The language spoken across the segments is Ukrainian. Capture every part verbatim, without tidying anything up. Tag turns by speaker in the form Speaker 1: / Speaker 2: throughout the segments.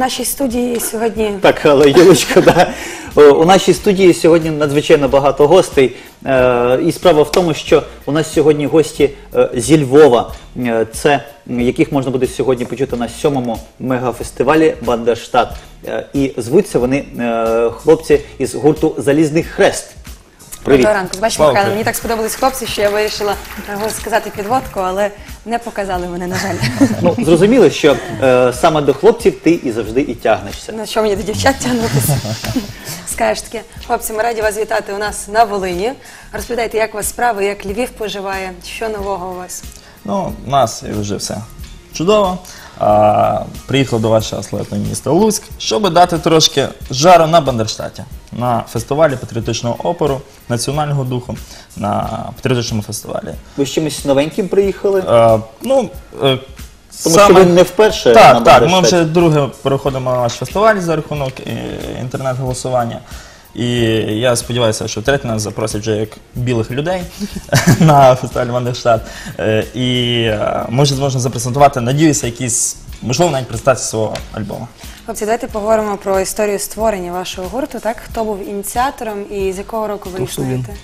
Speaker 1: нашій студії сьогодні...
Speaker 2: Так, але Юлечко, да. У нашій студії сьогодні надзвичайно багато гостей. І справа в тому, що у нас сьогодні гості зі Львова, це яких можна буде сьогодні почути на сьомому мегафестивалі «Бандерштат». І звуться вони хлопці із гурту «Залізний хрест». Привіт.
Speaker 1: Доброго ранку. Бачите, Михайло, мені так сподобались хлопці, що я вирішила сказати підводку, але не показали мене, на жаль.
Speaker 2: Ну, зрозуміло, що е, саме до хлопців ти і завжди і тягнешся.
Speaker 1: На що мені до дівчат тягнутися? Скажеш таке, хлопці, ми раді вас вітати у нас на Волині. Розповідайте, як у вас справи, як Львів поживає, що нового у вас?
Speaker 3: Ну, у нас вже все чудово. А, приїхав до вашого славетного міста Луцьк, щоб дати трошки жару на Бандерштаті, на фестивалі патріотичного опору, національного духу, на патріотичному фестивалі.
Speaker 2: Ви з чимось новеньким приїхали?
Speaker 3: А, ну, е,
Speaker 2: Тому
Speaker 3: саме...
Speaker 2: що ви не вперше
Speaker 3: так,
Speaker 2: на
Speaker 3: Так,
Speaker 2: Бандерштаті.
Speaker 3: ми вже друге переходимо на наш фестиваль за рахунок інтернет-голосування. І я сподіваюся, що втретє нас запросять вже як білих людей на фестиваль «Бандерштат». І ми вже зможемо запрезентувати, надіюся, якісь, можливо, навіть презентацію свого альбому.
Speaker 1: Хлопці, давайте поговоримо про історію створення вашого гурту, так? Хто був ініціатором і з якого року ви існуєте?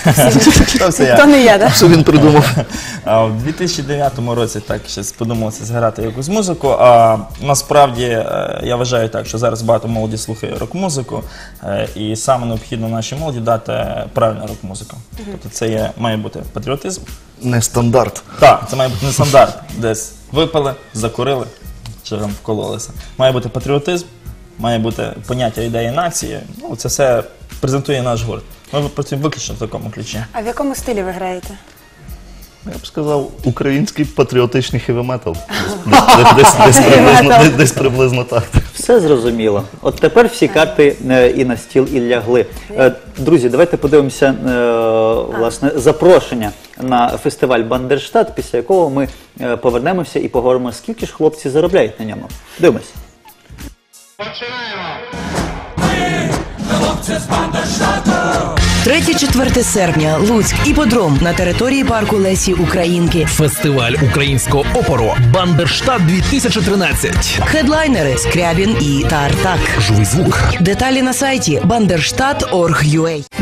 Speaker 1: То не я, так?
Speaker 4: Що він придумав?
Speaker 3: У дві тисячі дев'ятому році так щось подумалося зграти якусь музику, а насправді я вважаю так, що зараз багато молоді слухає рок-музику, і саме необхідно нашій молоді дати правильну рок-музику. Тобто це є, має бути патріотизм.
Speaker 4: Не стандарт.
Speaker 3: Так, це має бути не стандарт, десь випили, закурили, чи там вкололися. Має бути патріотизм, має бути поняття ідеї нації, ну це все презентує наш гурт. Ми працюємо виключно в такому ключі.
Speaker 1: А в якому стилі ви граєте?
Speaker 4: Я б сказав, український патріотичний хеві-метал. Десь, десь, десь, приблизно, десь, десь приблизно так.
Speaker 2: Все зрозуміло. От тепер всі карти е, і на стіл, і лягли. Е, друзі, давайте подивимося е, власне, запрошення на фестиваль «Бандерштат», після якого ми е, повернемося і поговоримо, скільки ж хлопці заробляють на ньому. Дивимося.
Speaker 5: Починаємо! Ми хлопці з Бандерштату!
Speaker 6: третє-четверте серпня. Луцьк. Іпподром на території парку Лесі Українки.
Speaker 7: Фестиваль українського опору «Бандерштат дві тисячі тринадцять».
Speaker 6: Хедлайнери Скрябін і Тартак.
Speaker 7: Живий звук.
Speaker 6: Деталі на сайті бандерштат крапка орг крапка ю а.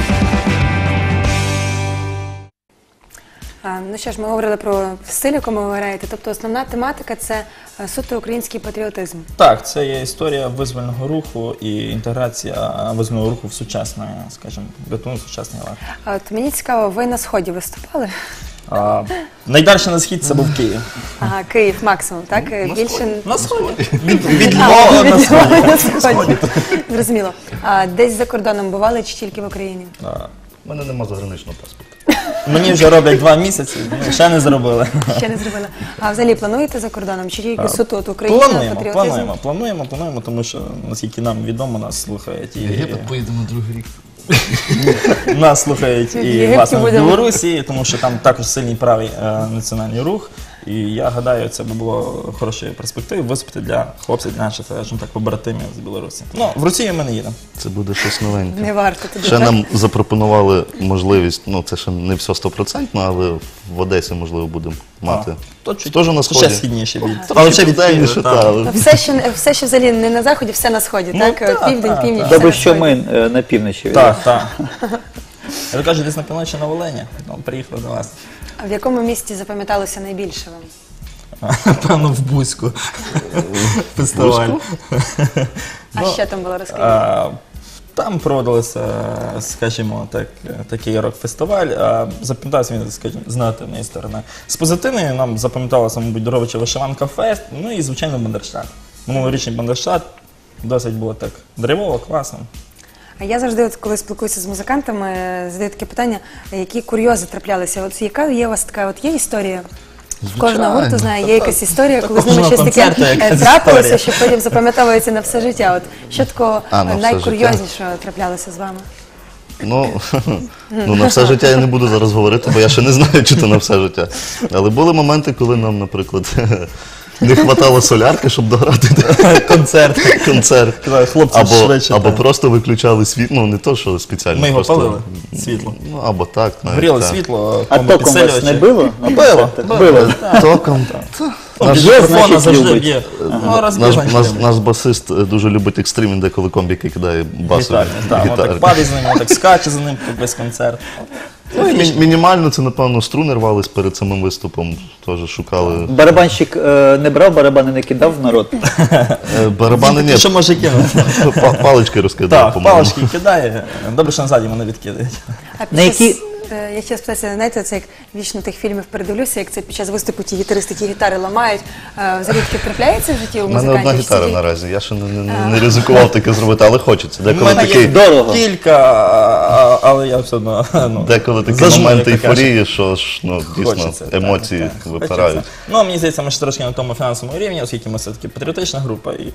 Speaker 1: Ну що ж, ми говорили про стиль, якому ви граєте. Тобто основна тематика – це суто український патріотизм.
Speaker 3: Так, це є історія визвольного руху і інтеграція визвольного руху в сучасне, скажімо, гатунок, сучасний лад.
Speaker 1: А от мені цікаво, ви на Сході виступали?
Speaker 3: А, найдальше на схід це був Київ.
Speaker 1: Ага, Київ максимум, так? Більше...
Speaker 3: На сході. Від, від Львова на сході.
Speaker 1: На Сході. Зрозуміло. А десь за кордоном бували чи тільки в Україні?
Speaker 4: У мене нема заграничного паспорту.
Speaker 3: Мені вже роблять два місяці, ще не зробили.
Speaker 1: Ще не зробили. А взагалі плануєте за кордоном? Чи тільки суто от Україна,
Speaker 3: Плануємо,
Speaker 1: патріотизм?
Speaker 3: плануємо, плануємо, плануємо, тому що, наскільки нам відомо, нас слухають і...
Speaker 4: Єгипет поїдемо другий рік.
Speaker 3: Нас слухають
Speaker 1: В
Speaker 3: і,
Speaker 1: Єгипті
Speaker 3: власне, в
Speaker 1: будемо.
Speaker 3: Білорусі, тому що там також сильний правий е, національний рух. І я гадаю, це би було хорошою перспективою виступити для хлопців, для наших, скажімо так, побратимів з Білорусі. Ну, в Росію ми не їдемо.
Speaker 4: Це буде щось новеньке.
Speaker 1: Не варто туди.
Speaker 4: Ще
Speaker 1: так?
Speaker 4: нам запропонували можливість, ну це ще не все стопроцентно, але в Одесі, можливо, будемо мати.
Speaker 3: То чуть,
Speaker 4: Теж на
Speaker 3: ще
Speaker 4: Сході.
Speaker 3: східніше від.
Speaker 4: Але ще південніше,
Speaker 3: так.
Speaker 4: так. але-
Speaker 1: Все, що, все, що взагалі не на Заході, все на Сході,
Speaker 3: Ну,
Speaker 1: так?
Speaker 3: так,
Speaker 1: Південь,
Speaker 3: так,
Speaker 1: північ,
Speaker 3: так.
Speaker 1: все
Speaker 2: Добре,
Speaker 1: на
Speaker 2: що
Speaker 1: Сході.
Speaker 2: ми е, на півночі.
Speaker 3: Так, так. Я кажу, десь на півночі на Волині. Ну, приїхали до вас.
Speaker 1: А в якому місті запам'яталося найбільше вам?
Speaker 3: Певно, в Бузьку. Фестиваль.
Speaker 1: А
Speaker 3: Ну,
Speaker 1: ще там було, розкажіть.
Speaker 3: А, Там проводилося, скажімо так, такий рок-фестиваль. А запам'ятався він, скажімо, з негативної сторони. З позитивної нам запам'яталося, мабуть, Доровича Вишиванка Фест, ну і, звичайно, Бандерштат. Минулорічний Бандерштат досить було так драйвово, класно.
Speaker 1: А я завжди, от, коли спілкуюся з музикантами, задаю таке питання, які курйози траплялися. От яка є у вас така, от є історія? В кожного гурту, знає, є якась історія, коли з ними щось таке
Speaker 3: концерту
Speaker 1: е,
Speaker 3: якась
Speaker 1: трапилося,
Speaker 3: історія.
Speaker 1: що потім запам'ятовується на все життя. От що такого
Speaker 4: А, на все
Speaker 1: найкурйознішого траплялося з вами?
Speaker 4: Ну, ну, на все життя я не буду зараз говорити, бо я ще не знаю, чи то на все життя. Але були моменти, коли нам, наприклад, не хватало солярки, щоб дограти
Speaker 3: Концерт.
Speaker 4: концерт.
Speaker 3: Казали, хлопці,
Speaker 4: Або,
Speaker 3: швидше,
Speaker 4: або
Speaker 3: так.
Speaker 4: просто виключали світло, ну не то, що спеціально.
Speaker 3: Ми його
Speaker 4: просто,
Speaker 3: палили, світло.
Speaker 4: Ну, або так. навіть,
Speaker 3: Горіло
Speaker 4: так.
Speaker 3: світло,
Speaker 2: А током вас не
Speaker 3: комбопідсилювачі.
Speaker 2: било?
Speaker 3: Ну, Било.
Speaker 2: Било.
Speaker 4: Током.
Speaker 3: Ну,
Speaker 2: Наш
Speaker 3: без
Speaker 2: є,
Speaker 3: мікрофона
Speaker 2: значить,
Speaker 3: завжди
Speaker 2: любить.
Speaker 3: б'є. Ну, раз б'є,
Speaker 4: Наш,
Speaker 3: значить,
Speaker 4: наш,
Speaker 3: любить.
Speaker 4: наш басист е, дуже любить екстрим, він деколи комбіки кидає басові
Speaker 3: Гітарні, так, воно так падає за ним, воно так скаче за ним весь концерт.
Speaker 4: Ну, і мі- мінімально це, напевно, струни рвались перед самим виступом. Теж шукали.
Speaker 2: Барабанщик е, не брав, барабани не кидав в народ.
Speaker 4: Е, Барабани ні,
Speaker 3: Що може кинути?
Speaker 4: па- палички розкидав,
Speaker 3: Так,
Speaker 4: по-моєму.
Speaker 3: палички кидає. Добре, що назаді мене відкидають.
Speaker 1: А під
Speaker 2: На
Speaker 1: час,
Speaker 2: які-
Speaker 1: е, я хотіла спитатися, знаєте, це як вічно тих фільмів передивлюся, як це під час виступу ті гітаристи ті гітари ламають. Е, Взагалі таке трапляється в житті у
Speaker 4: У мене
Speaker 1: музикантів?
Speaker 4: одна
Speaker 1: Чи
Speaker 4: гітара
Speaker 1: тільки-
Speaker 4: наразі, я ще не, не, не, не ризикував таке зробити, але хочеться.
Speaker 3: У
Speaker 4: Деколи
Speaker 3: мене
Speaker 4: такий,
Speaker 3: є
Speaker 2: Дорого.
Speaker 3: кілька, а- але я все одно ну,
Speaker 4: деколи такі
Speaker 3: зажму,
Speaker 4: моменти
Speaker 3: як то кажуть.
Speaker 4: ейфорії, що ж, ну, дійсно,
Speaker 3: Хочеться, так,
Speaker 4: емоції
Speaker 3: так,
Speaker 4: випирають.
Speaker 3: хочеться. Ну, мені здається, ми ще трошки на тому фінансовому рівні, оскільки ми все-таки патріотична група, і, і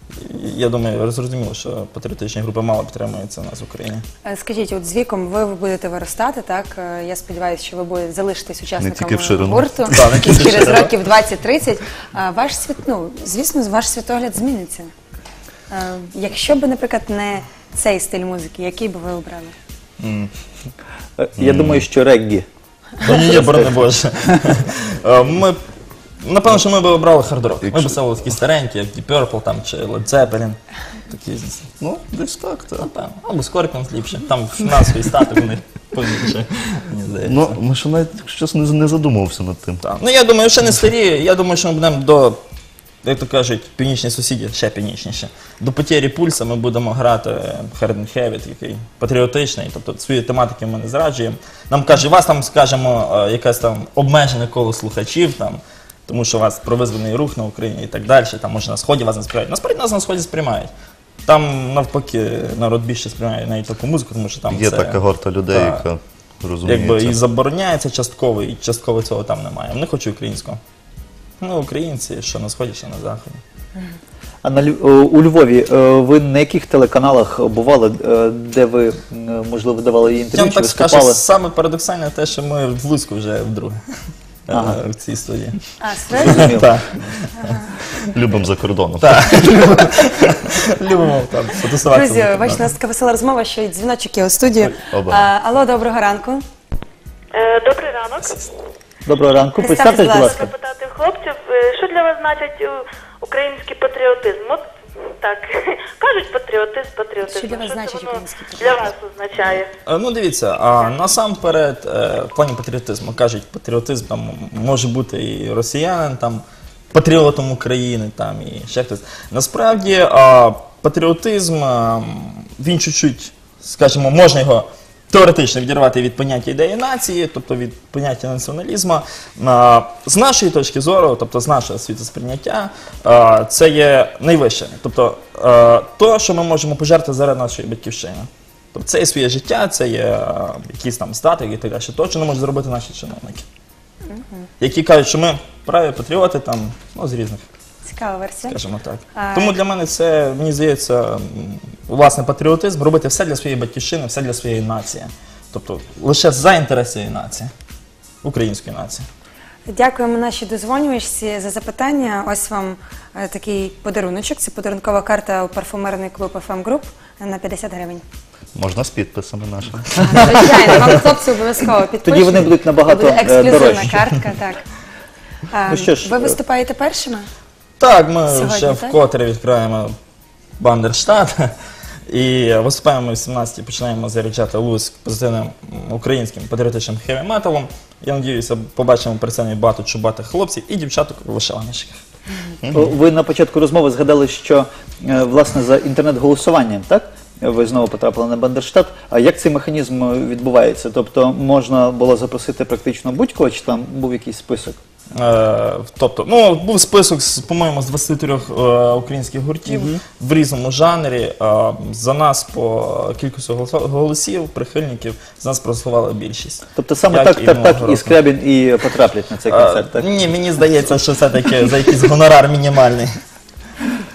Speaker 3: я думаю, зрозуміло, що патріотичні групи мало підтримуються у нас в Україні.
Speaker 1: Е, Скажіть, от з віком ви будете виростати, так? Е, Я сподіваюся, що ви будете залишитись учасниками
Speaker 4: тільки в ширину.
Speaker 1: гурту.
Speaker 3: Так, не тільки в
Speaker 1: Через
Speaker 3: ширину.
Speaker 1: років двадцять-тридцять. А Ваш світ, ну, звісно, ваш світогляд зміниться. Е, Якщо б, наприклад, не цей стиль музики, який би ви обрали?
Speaker 2: Е, Я думаю, що реггі.
Speaker 3: Ні, ні, борони Боже. Е, Ми, напевно, що ми б обрали хард-рок. Ми б ставили такі старенькі, як Deep Purple там, чи Led Zeppelin. Такі,
Speaker 4: Ну, десь так, так.
Speaker 3: напевно. Або Scorpions ліпше. Там фінансовий статок у них побільше, мені здається.
Speaker 4: Ну, ми ще навіть щось не, не задумувався над тим.
Speaker 3: Так. Ну, я думаю, ще не старі. Я думаю, що ми будемо до, як то кажуть, північні сусіді, ще північніше. До потері пульса ми будемо грати Hard and Heavy, такий патріотичний, тобто свої тематики ми не зраджуємо. Нам каже, у вас там, скажімо, е, якесь там обмежене коло слухачів, там, тому що у вас провизваний рух на Україні і так далі, там, може, на Сході вас не сприймають. Насправді нас на Сході сприймають. Там, навпаки, народ більше сприймає навіть таку музику, тому що там
Speaker 4: Є
Speaker 3: це...
Speaker 4: така горта людей,
Speaker 3: Так.
Speaker 4: яка розуміє
Speaker 3: Якби
Speaker 4: це.
Speaker 3: і забороняється частково, і частково цього там немає. Вони хочуть українського. Ну, українці, що на Сході, що на Заході.
Speaker 2: А на Лю- о, у Львові е, ви на яких телеканалах бували, е, де ви, е, можливо, давали
Speaker 3: Я
Speaker 2: інтерв'ю
Speaker 3: вам
Speaker 2: чи
Speaker 3: так скажу,
Speaker 2: виступали?
Speaker 3: саме парадоксальне те, що ми в Луцьку вже вдруге е,
Speaker 2: Ага.
Speaker 3: в цій студії.
Speaker 1: А, справді?
Speaker 2: Зрозумів.
Speaker 3: Так,
Speaker 4: Любимо за кордоном.
Speaker 3: любимо там фотосуватися.
Speaker 1: Друзі, бачите, у нас така весела розмова, що й дзвіночок є у студію.
Speaker 4: Оба.
Speaker 1: А, Алло, доброго ранку.
Speaker 8: Е, Добрий ранок.
Speaker 2: Доброго ранку.
Speaker 1: Представтесь,
Speaker 2: Представтесь, будь
Speaker 1: будь
Speaker 2: ласка.
Speaker 8: Запитати в хлопців, е, що для вас значить е, український патріотизм? От так, кажуть патріотизм, патріотизм.
Speaker 1: Що для вас
Speaker 8: це
Speaker 1: значить
Speaker 8: воно
Speaker 1: український
Speaker 8: для
Speaker 1: патріотизм?
Speaker 8: вас означає?
Speaker 3: Е, Ну, дивіться, а насамперед, е, в плані патріотизму, кажуть, патріотизм там може бути і росіянин, там, патріотом України, там, і ще хтось. Насправді, а, патріотизм, а, він чуть-чуть, скажімо, можна його теоретично відірвати від поняття ідеї нації, тобто від поняття націоналізму. А, З нашої точки зору, тобто з нашого світосприйняття, а, це є найвище. Тобто, а, то, що ми можемо пожертвувати заради нашої батьківщини. Тобто це є своє життя, це є а, якісь там статики і так далі. То, що не можуть зробити наші чиновники. Які кажуть, що ми праві патріоти там, ну, з різних,
Speaker 1: Цікава версія.
Speaker 3: скажімо так.
Speaker 1: А-
Speaker 3: Тому для мене це, мені здається, м, власне, патріотизм, робити все для своєї батьківщини, все для своєї нації. Тобто лише за інтерес цієї нації, української нації.
Speaker 1: Дякуємо нашій дозвонювачці за запитання. Ось вам е, такий подаруночок. Це подарункова карта у парфумерний клуб еф ем Group на п'ятдесят гривень.
Speaker 4: Можна з підписами нашими.
Speaker 1: Звичайно, вам хлопці обов'язково підпишуть.
Speaker 2: Тоді вони будуть набагато,
Speaker 1: Буде
Speaker 2: е,
Speaker 1: ексклюзивна
Speaker 2: дорожчі.
Speaker 1: картка, так. А,
Speaker 2: Ну що ж,
Speaker 1: ви
Speaker 2: е,
Speaker 1: виступаєте першими?
Speaker 3: Так, ми
Speaker 1: Сьогодні,
Speaker 3: вже
Speaker 1: так?
Speaker 3: вкотре відкриваємо Бандерштат. І виступаємо ми в сімнадцятій, починаємо заряджати Луцьк позитивним м, українським патріотичним хеві-металом. Я сподіваюся, побачимо при цьому багато чубатих хлопців і дівчаток у вишиваночках.
Speaker 2: О, Ви на початку розмови згадали, що е, власне за інтернет-голосуванням, так? Ви знову потрапили на Бандерштат. А як цей механізм е, відбувається? Тобто можна було запросити практично будь-кого, чи там був якийсь список?
Speaker 3: Е, тобто, ну, був список, з, по-моєму, з двадцяти трьох е, українських гуртів в різному жанрі. Е, за нас по кількості голосо- голосів, прихильників, за нас проголосувала більшість.
Speaker 2: Тобто саме
Speaker 3: Як
Speaker 2: так,
Speaker 3: і
Speaker 2: так, так
Speaker 3: минулого
Speaker 2: і
Speaker 3: року.
Speaker 2: Скрябін і потраплять на цей
Speaker 3: Е,
Speaker 2: концерт, так?
Speaker 3: Ні, мені здається, що все-таки за якийсь гонорар мінімальний.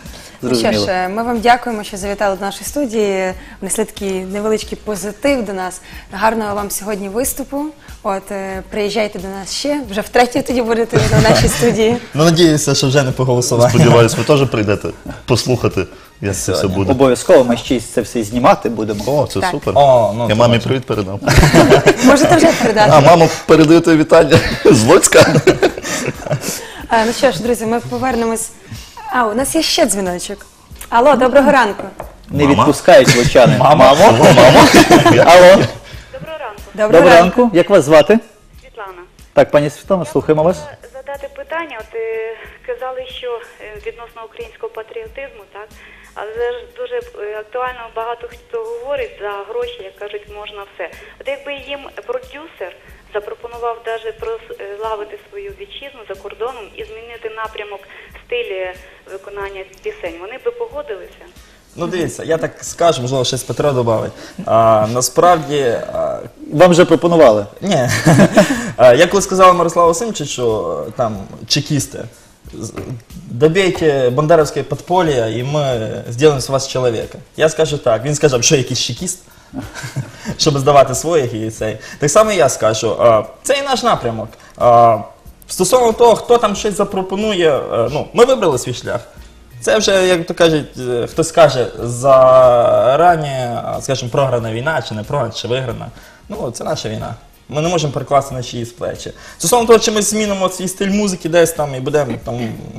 Speaker 1: Ну що
Speaker 2: Зрозуміло.
Speaker 1: ж, ми вам дякуємо, що завітали до нашої студії, внесли такий невеличкий позитив до нас. Гарного вам сьогодні виступу. От, е, приїжджайте до нас ще, вже втретє тоді будете на нашій студії.
Speaker 3: Ну, надіюся, що вже не по голосуванню.
Speaker 4: Сподіваюсь, ви теж прийдете послухати, як це все буде.
Speaker 2: Обов'язково ми ще й це все знімати будемо.
Speaker 4: О, це
Speaker 1: Так.
Speaker 4: супер.
Speaker 3: О, ну,
Speaker 4: Я
Speaker 3: це
Speaker 4: мамі
Speaker 3: бачу.
Speaker 4: привіт передам.
Speaker 1: Можете вже передати.
Speaker 4: А, мамо, передаєте вітання з Луцька.
Speaker 1: А, ну що ж, друзі, ми повернемось. А, у нас є ще дзвіночок. Алло, доброго ранку.
Speaker 2: Не
Speaker 4: Мама?
Speaker 2: відпускають лучани.
Speaker 3: Мамо.
Speaker 2: Алло.
Speaker 8: Доброго ранку,
Speaker 2: Доброго ранку. Як вас звати?
Speaker 8: Світлана.
Speaker 2: Так, пані Світлана, слухаємо вас.
Speaker 8: Хотіла задати питання. От е, казали, що е, відносно українського патріотизму, так? Але ж дуже е, актуально багато хто говорить за гроші, як кажуть, можна все. От якби їм продюсер запропонував навіть прославити свою вітчизну за кордоном і змінити напрямок стилі виконання пісень, вони би погодилися?
Speaker 3: Ну, дивіться, я так скажу, можливо, щось Петро додавить. А, насправді, а,
Speaker 2: Вам вже пропонували.
Speaker 3: ні. А, я коли сказав Мирославу Васильовичу, там, чекісти, з- добейте бандеровське подполье, і ми зробимо з вас чоловіка. Я скажу так, він скаже, що якийсь чекіст, щоб здавати своїх і цей. Так само і я скажу, а, це і наш напрямок. А, стосовно того, хто там щось запропонує, а, ну, ми вибрали свій шлях. Це вже, як то кажуть, е, хтось каже, зарані, а, скажімо, програна війна, чи не програна, чи виграна. Ну, це наша війна. Ми не можемо перекласти на чиїсь плечі. Стосовно того, чи ми змінимо свій стиль музики десь там і будемо там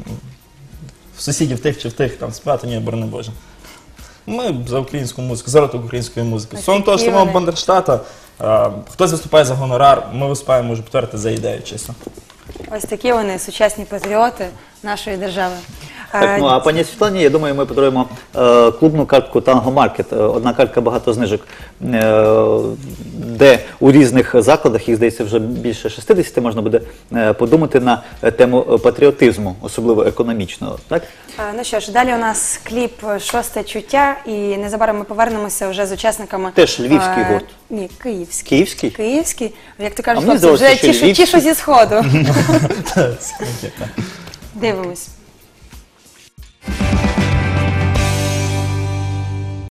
Speaker 3: в сусідів тих чи в тих там співати, ні, борони Боже. Ми за українську музику, за розвиток української музики. Стосовно того, що
Speaker 1: Такі
Speaker 3: самого
Speaker 1: вони.
Speaker 3: Бандерштата, е, хтось виступає за гонорар, ми виступаємо, можу повторити, за ідею, чесно.
Speaker 1: Ось такі вони, сучасні патріоти нашої держави.
Speaker 2: Так, ну а пані Світлані, я думаю, ми подаруємо е, клубну картку Танго Маркет. Е, Одна картка, багато знижок, е, де у різних закладах, їх здається вже більше шістдесят, можна буде е, подумати на тему патріотизму, особливо економічного. Так?
Speaker 1: Е, Ну що ж, далі у нас кліп «Шосте чуття», і незабаром ми повернемося вже з учасниками.
Speaker 2: Теж львівський
Speaker 1: е,
Speaker 2: гурт.
Speaker 1: Ні, київський.
Speaker 2: Київський?
Speaker 1: Київський. Як ти кажеш,
Speaker 2: А мені
Speaker 1: хлопці, вже
Speaker 2: здалося, що
Speaker 1: ті, що- ті,
Speaker 2: львівський.
Speaker 1: що зі Сходу. Дивимось.